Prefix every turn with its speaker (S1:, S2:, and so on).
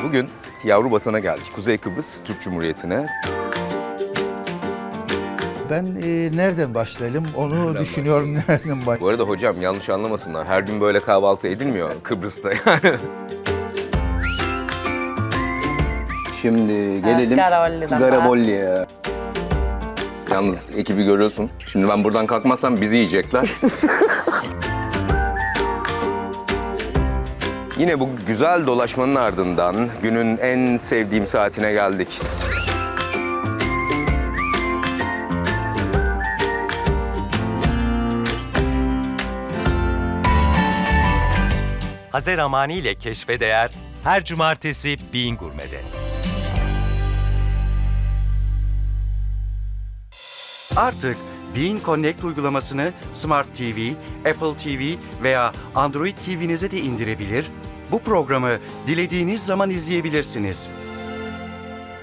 S1: Bugün yavru vatana geldik. Kuzey Kıbrıs Türk Cumhuriyeti'ne.
S2: Ben nereden başlayalım onu düşünüyorum, nereden başlayalım.
S1: Bu arada hocam yanlış anlamasınlar. Her gün böyle kahvaltı edilmiyor Kıbrıs'ta yani.
S3: Şimdi gelelim
S4: Garabolli'den
S3: Garabolli'ye.
S1: Yalnız ekibi görüyorsun. Şimdi ben buradan kalkmazsam bizi yiyecekler. Yine bu güzel dolaşmanın ardından günün en sevdiğim saatine geldik.
S5: Hazer Amani ile Keşfe Değer her cumartesi Bean Gurme'de. Artık Bean Connect uygulamasını Smart TV, Apple TV veya Android TV'nize de indirebilir, bu programı dilediğiniz zaman izleyebilirsiniz.